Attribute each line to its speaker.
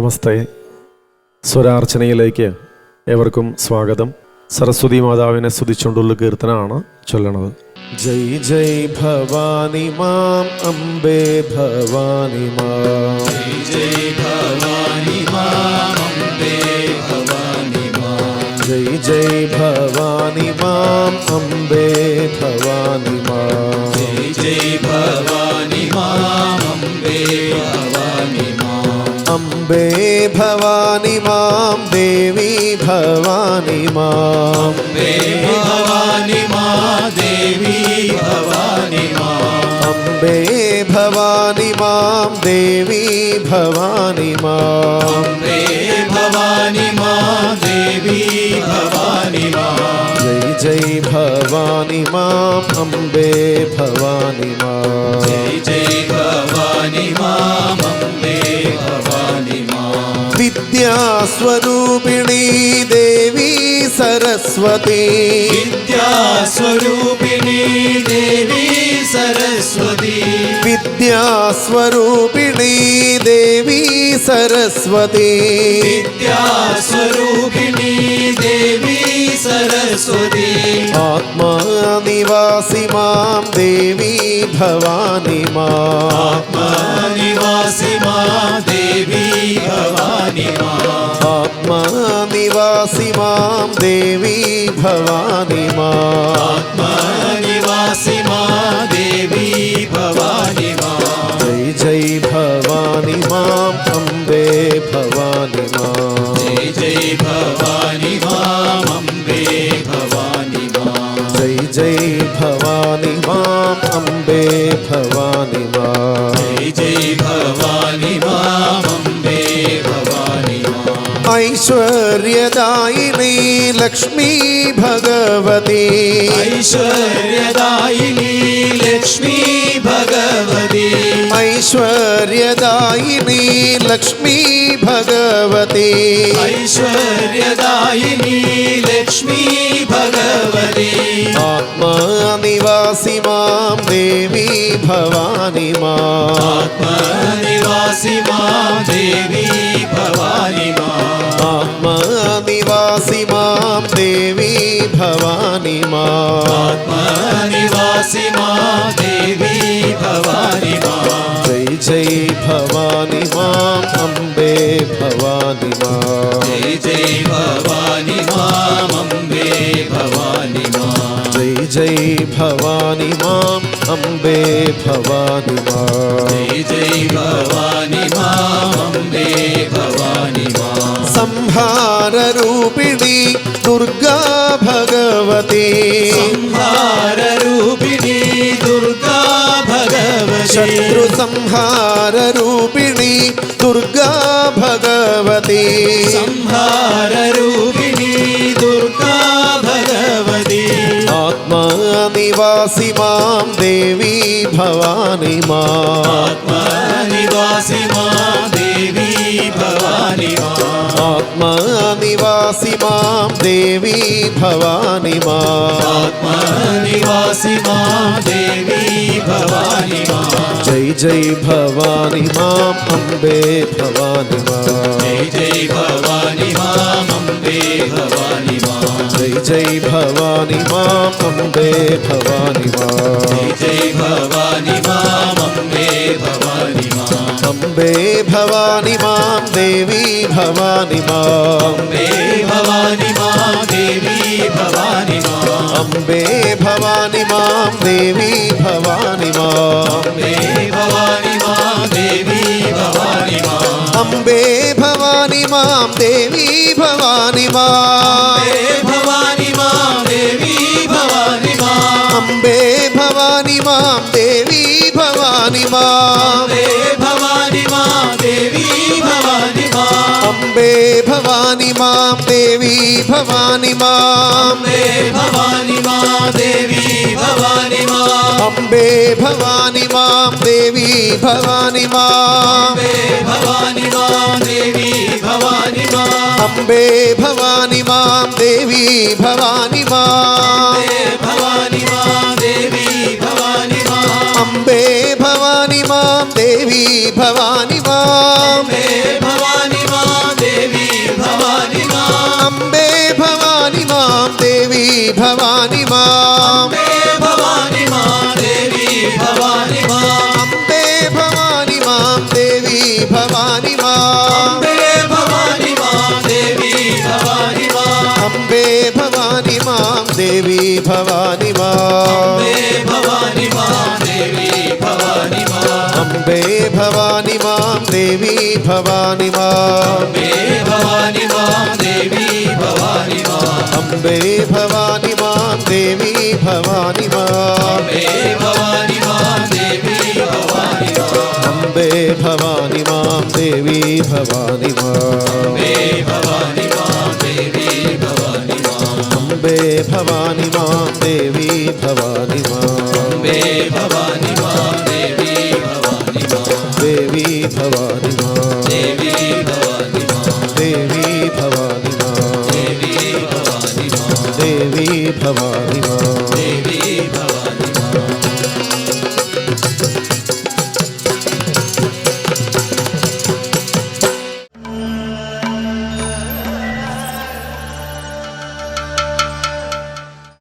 Speaker 1: നമസ്തേ. സ്വരാർച്ചനയിലേക്ക് ഏവർക്കും സ്വാഗതം. സരസ്വതി മാതാവിനെ സ്തുതിച്ചുകൊണ്ടുള്ള കീർത്തനമാണ് ചൊല്ലണത്. ജയ് ജയ് ഭവാനി മാം അംബേ ഭവാനി മാം,
Speaker 2: ജയ് ഭവാനി മാം അംബേ ഭവാനി മാം,
Speaker 1: ജയ് ജയ് ഭവാനി മാം അംബേ ഭവാനി മാം,
Speaker 2: ജയ് ഭവാനി മാം അംബേ ഭവാനി മാം,
Speaker 1: അംബേ ഭവാനി മാം ദേവി ഭവാനി മാം,
Speaker 2: അംബേ ഭവാനി മാം ദേവി ഭവാനി മാം,
Speaker 1: അംബേ ഭവാനി മാം ദേവി ഭവാനി മാം,
Speaker 2: അംബേ ഭവാനി മാം ദേവി ഭവാനി മാം,
Speaker 1: ജയ് ജയ് ഭവാനി മാം അംബേ ഭവാനി മാം,
Speaker 2: ജയ് ഭവാനി മാം അംബേ ഭവാനി മാം,
Speaker 1: വിദ്യാസ്വരൂപിണി ദേവി സരസ്വതി,
Speaker 2: വിദ്യാസ്വരൂപിണി ദേവി സരസ്വതി,
Speaker 1: വിദ്യാസ്വരൂപിണി ദേവി സരസ്വതി,
Speaker 2: വിദ്യാസ്വരൂപിണി ദേവി സരസ്വതി,
Speaker 1: ആത്മാനിവാസി മാം ദേവി ഭവാനി മാം,
Speaker 2: ആത്മനിവാസി മാം ദേവി ഭവാനി മാം,
Speaker 1: ആത്മാനിവാസി മാം ദേവി ഭവാനി മാം,
Speaker 2: ആത്മനിവാസി മാം ദേവി ഭവാനി മാം,
Speaker 1: ജയ് ജയ് ഭവാനി മാം അംബേ ഭവാനി മാം,
Speaker 2: ജയ് ഭവാനി മാം അംബേ ഭവാനി മാം,
Speaker 1: ജയ് ഭവാനി മാം അംബേ ഭവാനി മാം,
Speaker 2: ജയ് ഭവാനി മാം അംബേ ഭവാനി മാം,
Speaker 1: ഐശ്വര്യദായിനി ലക്ഷ്മീ ഭഗവതി,
Speaker 2: ഐശ്വര്യദായിനി ലക്ഷ്മീ ഭഗവതി,
Speaker 1: ഐശ്വര്യദായിനി ലക്ഷ്മീ ഭഗവതി,
Speaker 2: ഐശ്വര്യദായിനി ലക്ഷ്മീ ഭഗവതി,
Speaker 1: ആത്മാനിവാസി മാം ദേവി ഭവാനി മാം,
Speaker 2: ആത്മനിവാസി മാം ദേവി ഭവാനി മാം,
Speaker 1: ആത്മാനിവാസി മാം ദേവി ഭവാനി മാം,
Speaker 2: ആത്മനിവാസി മാം ദേവി ഭവാനി മാം,
Speaker 1: ജയ് ജയ് ഭവാനി മാം അംബേ ഭവാനി മാം,
Speaker 2: ജയ് ഭവാനി മാം അംബേ ഭവാനി മാം,
Speaker 1: ജയ് ഭവാനി മാം അംബേ ഭവാനി മാം,
Speaker 2: ജയ് ഭവാനി മാം അംബേ ഭവാനി മാം,
Speaker 1: സംഹാരരൂപിണി ദുർഗാ ഭഗവതി,
Speaker 2: സംഹാരരൂപിണി ദുർഗാ ഭഗവതി,
Speaker 1: ശത്രു സംഹാരരൂപിണി ദുർഗാ ഭഗവതി,
Speaker 2: സംഹാരരൂപിണി ദുർഗാ ഭഗവതി,
Speaker 1: ആത്മാനിവാസി മാം ദേവി ഭവാനി മാം,
Speaker 2: ആത്മനിവാസി മാം ദേവി ഭവാനി മാം,
Speaker 1: ആത്മാനിവാസി മാം ദേവി ഭവാനി മാം,
Speaker 2: ആത്മനിവാസി മാം ദേവി ഭവാനി മാം,
Speaker 1: ജയ് ഭവാനി മാം അംബേ ഭവാനി മാം,
Speaker 2: ജയ് ഭവാനി മാം അംബേ ഭവാനി മാം,
Speaker 1: ജയ് ഭവാനി മാം അംബേ ഭവാനി മാം,
Speaker 2: ജയ് ഭവാനി മാം അംബേ ഭവാനി മാം,
Speaker 1: അംബേ ഭവാനി മാം ദേവി ഭവാനി മാം,
Speaker 2: അംബേ ഭവാനി മാം ദേവി ഭവാനി മാം,
Speaker 1: അംബേ ഭവാനി മാം ദേവി ഭവാനി മാം,
Speaker 2: അംബേ ഭവാനി മാം ദേവി ഭവാനി മാം,
Speaker 1: അംബേ ഭവാനി മാം ദേവി ഭവാനി മാം,
Speaker 2: അംബേ ഭവാനി മാം ദേവി ഭവാനി മാം,
Speaker 1: അംബേ ഭവാനി മാം ദേവി ഭവാനി മാം,
Speaker 2: അംബേ ഭവാനി മാം ദേവി ഭവാനി മാം,
Speaker 1: അംബേ ഭവാനി മാം ദേവി ഭവാനി മാം,
Speaker 2: അംബേ ഭവാനി മാം ദേവി ഭവാനി മാം,
Speaker 1: അംബേ ഭവാനി മാം ദേവി ഭവാനി മാം,
Speaker 2: ഭവാനി മാം
Speaker 1: भवानी मां
Speaker 2: अम्बे भवानी मां देवी भवानी मां
Speaker 1: अम्बे भवानी मां देवी भवानी मां
Speaker 2: अम्बे भवानी मां देवी भवानी मां
Speaker 1: अम्बे भवानी मां देवी भवानी मां
Speaker 2: अम्बे भवानी मां देवी भवानी मां
Speaker 1: अम्बे भवानी मां देवी भवानी मां
Speaker 2: अम्बे भवानी मां देवी भवानी मां
Speaker 1: अम्बे भवानी मां देवी भवानी मां
Speaker 2: देवी भवानी मां
Speaker 1: देवी भवानी मां
Speaker 2: देवी भवानी मां
Speaker 1: देवी भवानी मां
Speaker 2: देवी भवानी मां
Speaker 1: देवी